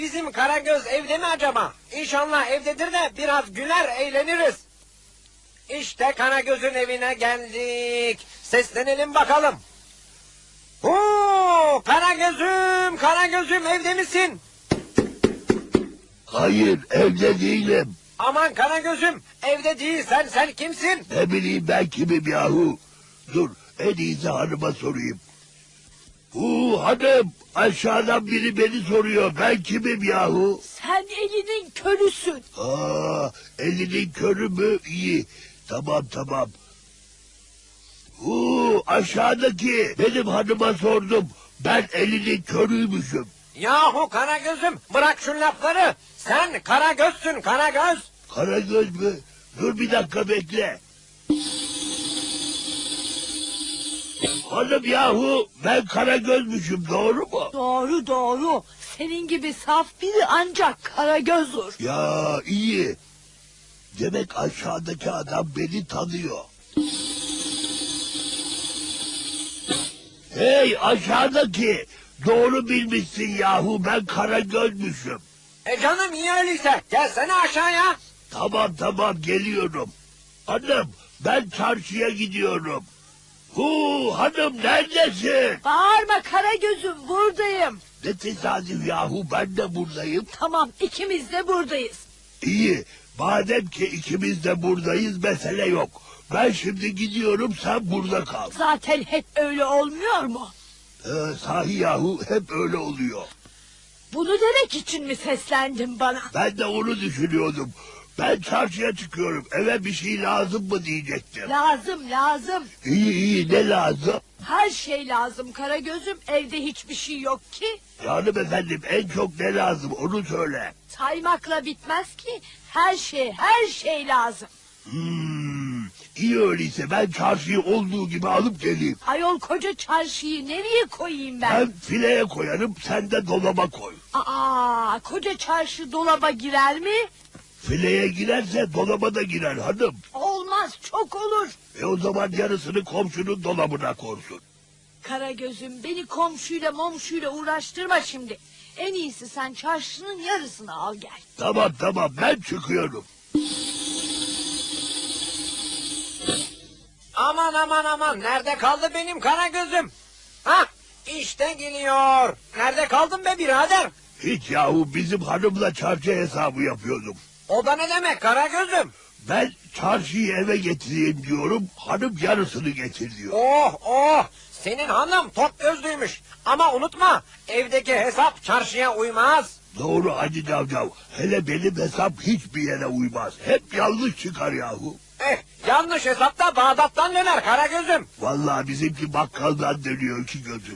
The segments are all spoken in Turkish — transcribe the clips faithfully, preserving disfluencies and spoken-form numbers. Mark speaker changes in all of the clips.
Speaker 1: bizim Karagöz evde mi acaba? İnşallah evdedir de biraz güler eğleniriz. İşte Karagöz'ün evine geldik. Seslenelim bakalım. Oo, Karagöz'üm, Karagöz'üm evde misin?
Speaker 2: Hayır, evde değilim.
Speaker 1: Aman Karagöz'üm, evde değilsen sen kimsin?
Speaker 2: Ne bileyim ben kimim yahu. Dur, en iyisi hanıma sorayım. Huu hanım, aşağıdan biri beni soruyor. Ben kimim yahu?
Speaker 3: Sen elinin körüsün.
Speaker 2: Aa, elinin körü mü? İyi. Tamam tamam. Huu, aşağıdaki benim hanıma sordum. Ben elinin körüymüşüm.
Speaker 1: Yahu Karagöz'üm, bırak şu lafları. Sen Karagöz'sün, Karagöz.
Speaker 2: Karagöz mü? Dur bir dakika bekle. Hanım yahu, ben Karagöz'müşüm, doğru mu?
Speaker 3: Doğru doğru. Senin gibi saf biri ancak Karagöz olur.
Speaker 2: Ya iyi. Demek aşağıdaki adam beni tanıyor. Hey aşağıdaki, doğru bilmişsin yahu, ben Karagöz'müşüm.
Speaker 1: E canım iyi öyleyse, gelsene aşağıya.
Speaker 2: Tamam tamam geliyorum. Hanım, ben çarşıya gidiyorum. Hu hanım neredesin?
Speaker 3: Bağırma Karagöz'üm, buradayım.
Speaker 2: Ne tesadüf yahu, ben de buradayım.
Speaker 3: Tamam, ikimiz de buradayız.
Speaker 2: İyi, madem ki ikimiz de buradayız mesele yok. Ben şimdi gidiyorum, sen burada kal.
Speaker 3: Zaten hep öyle olmuyor mu?
Speaker 2: Ee, sahi yahu, hep öyle oluyor.
Speaker 3: Bunu demek için mi seslendin bana?
Speaker 2: Ben de onu düşünüyordum. Ben çarşıya çıkıyorum, eve bir şey lazım mı diyecektim.
Speaker 3: Lazım lazım.
Speaker 2: İyi iyi, ne lazım?
Speaker 3: Her şey lazım Karagöz'üm, evde hiçbir şey yok ki.
Speaker 2: Canım efendim, en çok ne lazım onu söyle.
Speaker 3: Saymakla bitmez ki, her şey her şey lazım.
Speaker 2: Hmm, iyi öyleyse ben çarşıyı olduğu gibi alıp geleyim.
Speaker 3: Ayol koca çarşıyı nereye koyayım ben?
Speaker 2: Ben fileye koyarım, sen de dolaba koy.
Speaker 3: Aa, koca çarşı dolaba girer mi?
Speaker 2: Fileye girerse dolaba da girer hanım.
Speaker 3: Olmaz, çok olur.
Speaker 2: E o zaman yarısını komşunun dolabına korsun.
Speaker 3: Karagöz'üm, beni komşuyla momşuyla uğraştırma şimdi. En iyisi sen çarşının yarısını al gel.
Speaker 2: Tamam tamam, ben çıkıyorum.
Speaker 1: Aman aman aman, nerede kaldı benim Karagöz'üm? Hah, işte geliyor. Nerede kaldın be birader?
Speaker 2: Hiç yahu, bizim hanımla çarşı hesabı yapıyordum.
Speaker 1: O da ne demek Karagöz'üm?
Speaker 2: Ben çarşıyı eve getireyim diyorum, hanım yarısını getir diyor.
Speaker 1: Oh oh, senin hanım top gözlüymüş. Ama unutma, evdeki hesap çarşıya uymaz.
Speaker 2: Doğru Hacı Cavcav, hele benim hesap hiçbir yere uymaz. Hep yanlış çıkar yahu.
Speaker 1: Eh, yanlış hesapta Bağdat'tan döner Karagöz'üm.
Speaker 2: Vallahi bizimki bakkaldan dönüyor iki gözüm.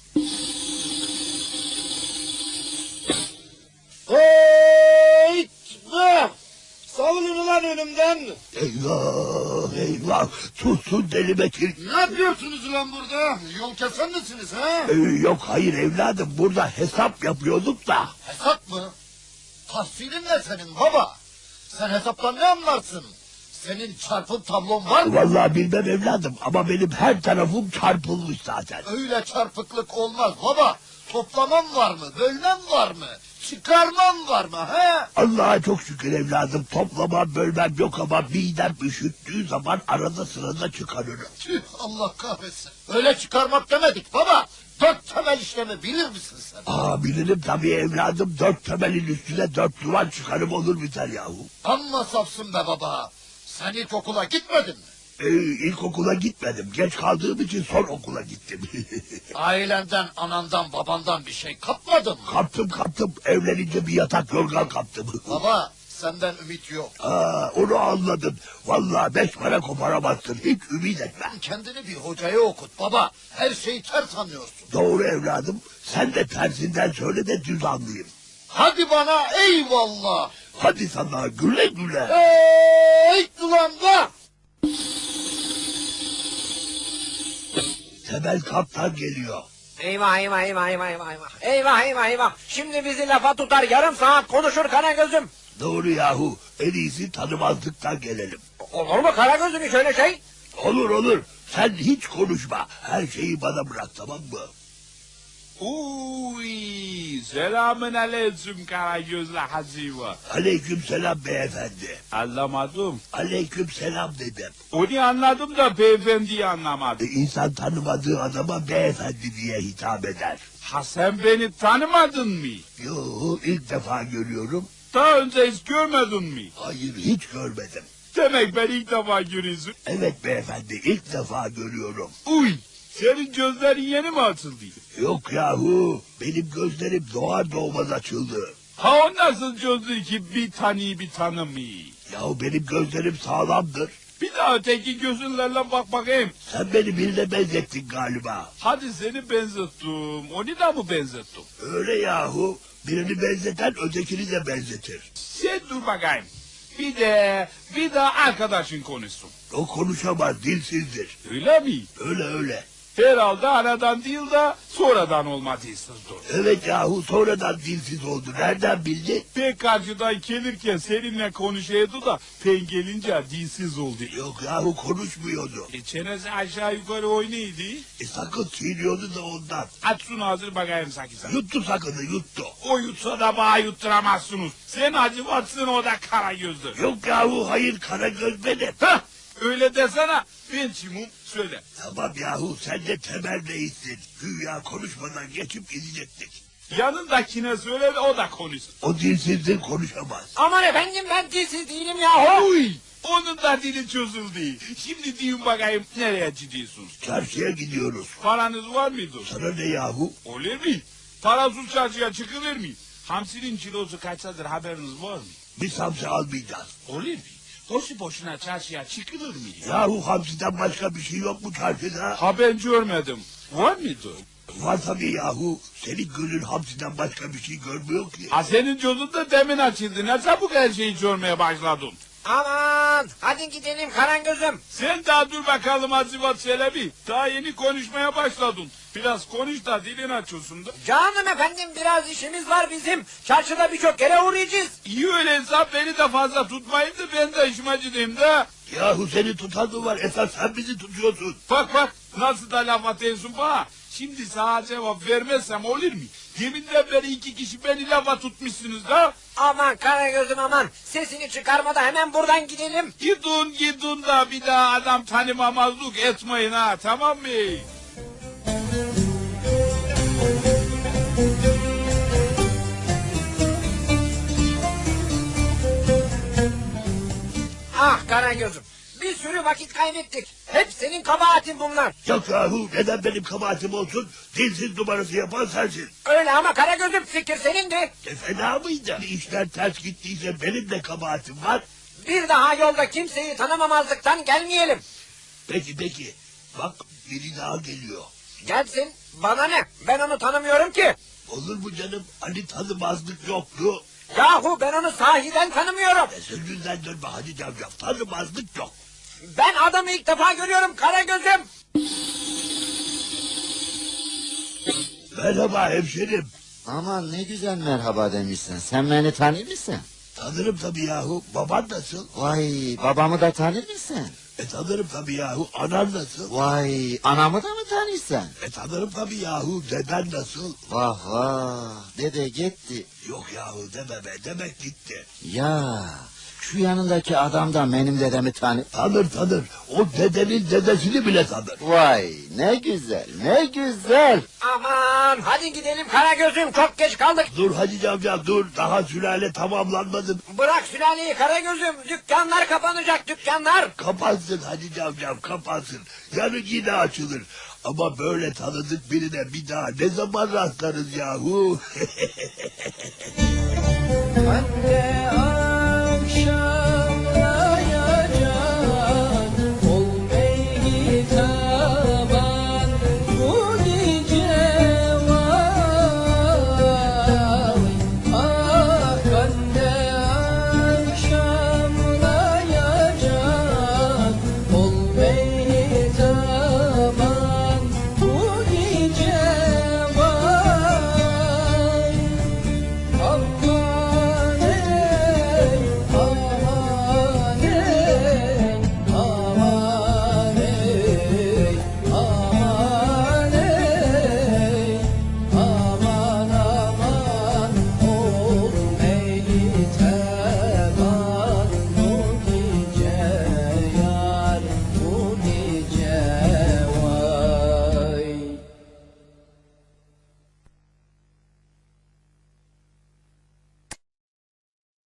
Speaker 1: Hey! Savunun ulan önümden.
Speaker 2: Eyvah eyvah, tutsun deli Bekir.
Speaker 4: Ne yapıyorsunuz ulan burada? Yol kesen misiniz ha?
Speaker 2: Ee, yok hayır evladım, burada hesap yapıyorduk da.
Speaker 4: Hesap mı? Tahsilin ne senin baba? Sen hesaptan ne anlarsın? Senin çarpım tablon var mı?
Speaker 2: Vallahi bilmem evladım, ama benim her tarafım çarpılmış zaten.
Speaker 4: Öyle çarpıklık olmaz baba. Toplamam var mı? Bölmem var mı? Çıkarmam var mı he?
Speaker 2: Allah'a çok şükür evladım, toplamam bölmem yok ama midem üşüttüğü zaman arada sırada çıkarırım.
Speaker 4: Tüh, Allah kahretsin. Öyle çıkarmak demedik baba. Dört temel işlemi bilir misin sen?
Speaker 2: Aa bilirim tabii evladım, dört temelin üstüne dört duvar çıkarım olur biter yahu.
Speaker 4: Amma safsın be baba. Sen ilk okula gitmedin mi?
Speaker 2: Ee, ilkokula gitmedim, geç kaldığım için son okula gittim.
Speaker 4: Ailenden, anandan, babandan bir şey kapmadın mı?
Speaker 2: kaptım kaptım, evlenince bir yatak yorgan kaptım.
Speaker 4: Baba, senden ümit yok.
Speaker 2: Aa, onu anladın. Vallahi beş para koparamazsın, hiç ümit etme.
Speaker 4: Kendini bir hocaya okut baba. Her şeyi ters anlıyorsun.
Speaker 2: Doğru evladım, sen de tersinden söyle de düz anlayayım.
Speaker 4: Hadi bana eyvallah.
Speaker 2: Hadi sana güle güle.
Speaker 4: Ey ulan da!
Speaker 2: Temel kaptan geliyor.
Speaker 1: Eyvah eyvah eyvah eyvah eyvah eyvah. Eyvah eyvah eyvah. Şimdi bizi lafa tutar, yarım saat konuşur Karagöz'üm.
Speaker 2: Doğru yahu, en iyisi tanımazlıktan gelelim.
Speaker 1: Olur mu Karagöz'üm hiç öyle şey?
Speaker 2: Olur olur, sen hiç konuşma, her şeyi bana bırak, tamam mı?
Speaker 5: Uy, selamün aleyküm Karagözlü Hacivat.
Speaker 2: Aleyküm selam beyefendi.
Speaker 5: Anlamadım.
Speaker 2: Aleyküm selam dedim.
Speaker 5: Onu anladım da beyefendiyi
Speaker 2: E,
Speaker 5: anlamadım.
Speaker 2: İnsan tanımadığı adama beyefendi diye hitap eder.
Speaker 5: Ha sen beni tanımadın mı?
Speaker 2: Yo, ilk defa görüyorum.
Speaker 5: Daha önce hiç görmedin mi?
Speaker 2: Hayır, hiç görmedim.
Speaker 5: Demek ben ilk defa görüyorsun.
Speaker 2: Evet beyefendi, ilk defa görüyorum.
Speaker 5: Uy, senin gözlerin yeni mi açıldı?
Speaker 2: Yok yahu, benim gözlerim doğar doğmaz açıldı.
Speaker 5: Ha o nasıl çözdü ki bir tanıyı bir tanımayı?
Speaker 2: Yahu benim gözlerim sağlamdır.
Speaker 5: Bir daha öteki gözünlerle bak bakayım.
Speaker 2: Sen beni birine benzettin galiba.
Speaker 5: Hadi seni benzettim. Onu da mı benzettim?
Speaker 2: Öyle yahu, birini benzeten ötekini de benzetir.
Speaker 5: Sen dur bakayım. Bir de bir daha arkadaşın konuşsun.
Speaker 2: O konuşamaz, dilsizdir.
Speaker 5: Öyle mi?
Speaker 2: Öyle öyle.
Speaker 5: Herhalde aradan değil de sonradan olmadıyızdır.
Speaker 2: Evet yahu, sonradan dilsiz oldu. Nereden bildin?
Speaker 5: Ben karşıdan gelirken seninle konuşuyordu da ben gelince dilsiz oldu.
Speaker 2: Yok yahu, konuşmuyordu.
Speaker 5: E çenesi aşağı yukarı oynaydı.
Speaker 2: E sakın çiğniyordu da ondan.
Speaker 5: Aç şunu hazır bakayım sakın.
Speaker 2: Yuttu sakını, yuttu.
Speaker 5: O yutsa da bana yutturamazsınız. Sen acıvatsın o da kara gözlü.
Speaker 2: Yok yahu, hayır, Karagöz benim.
Speaker 5: Hah öyle desene. Ben kimim söyle.
Speaker 2: Tamam yahu, sen de temel değilsin. Güya konuşmadan geçip gidecektik.
Speaker 5: Yanındakine söyle de o da konuşsun.
Speaker 2: O dilsizdir, konuşamaz.
Speaker 1: Aman efendim ben dilsiz değilim yahu.
Speaker 5: Uy! Onun da dili çözüldü. Şimdi deyin bakayım nereye gidiyorsunuz?
Speaker 2: Çarşıya gidiyoruz.
Speaker 5: Paranız var mıydı?
Speaker 2: Sana ne yahu?
Speaker 5: Olur mu? Parasız çarşıya çıkılır mı? Hamsinin kilosu kaçtadır haberiniz var mı?
Speaker 2: Biz hamsi almayacağız.
Speaker 5: Olur mu? Boşu boşuna çarşıya çıkılır mı?
Speaker 2: Yahu hamsiden başka bir şey yok mu çarşıda?
Speaker 5: Ha ben görmedim. Var mıydı?
Speaker 2: Var tabii yahu. Senin gözün hamsiden başka bir şey görmüyor ki.
Speaker 5: Ha senin gözün de demin açıldı. Ne çabuk her şeyi görmeye başladın.
Speaker 1: Aman hadi gidelim Karagöz'üm.
Speaker 5: Sen daha dur bakalım Hacivat Çelebi. Daha yeni konuşmaya başladın. Biraz konuş da dilin açılsın da.
Speaker 1: Canım efendim biraz işimiz var bizim. Çarşıda birçok yere uğrayacağız.
Speaker 5: İyi öyleyse beni de fazla tutmayın da ben de işime gideyim de.
Speaker 2: Yahu seni tutan mı var? Esas sen bizi tutuyorsun.
Speaker 5: Bak bak nasıl da laf atıyorsun bana. Şimdi sana cevap vermezsem olur mu? Deminden beri iki kişi beni lafa tutmuşsunuz da.
Speaker 1: Aman Karagöz'üm aman. Sesini çıkarma da hemen buradan gidelim.
Speaker 5: Gidin gidin da bir daha adam tanımamazlık etmeyin ha, tamam mı?
Speaker 1: Ah Karagöz'üm. Bir sürü vakit kaybettik. Hep senin kabahatin bunlar.
Speaker 2: Yok yahu, neden benim kabahatim olsun? Dilsiz numarası yapan sensin.
Speaker 1: Öyle ama Karagöz'üm fikir senindi.
Speaker 2: E fena mıydı? İşler ters gittiyse benim de kabahatim var.
Speaker 1: Bir daha yolda kimseyi tanımamazlıktan gelmeyelim.
Speaker 2: Peki peki. Bak biri daha geliyor.
Speaker 1: Gelsin bana ne? Ben onu tanımıyorum ki.
Speaker 2: Olur mu canım? Hani tanımazlık yoktu.
Speaker 1: Yahu ben onu sahiden tanımıyorum.
Speaker 2: E sözünden dönme hadi cavcav. Tanımazlık yok.
Speaker 1: Ben adamı ilk defa görüyorum Karagöz'üm.
Speaker 2: Merhaba hemşerim.
Speaker 6: Aman ne güzel merhaba demişsin. Sen beni tanır mısın?
Speaker 2: Tanırım tabii yahu. Baban nasıl?
Speaker 6: Vay babamı da tanır mısın?
Speaker 2: E tanırım tabii yahu. Anan nasıl?
Speaker 6: Vay anamı da mı tanırsan?
Speaker 2: E tanırım tabii yahu. Deden nasıl?
Speaker 6: Vah vah dede gitti.
Speaker 2: Yok yahu deme be. Demek gitti.
Speaker 6: Ya şu yanındaki adam da benim dedemi tanır.
Speaker 2: Tanır tanır. O dedenin dedesini bile tanır.
Speaker 6: Vay ne güzel ne güzel.
Speaker 1: Aman hadi gidelim Karagöz'üm çok geç kaldık.
Speaker 2: Dur hadi cavcav dur. Daha sülale tamamlanmadı.
Speaker 1: Bırak sülaleyi Karagöz'üm. Dükkanlar kapanacak dükkanlar.
Speaker 2: Kapansın hadi cavcav kapansın. Yarın yine açılır. Ama böyle tanıdık birine bir daha ne zaman rastlarız yahu?
Speaker 1: Anne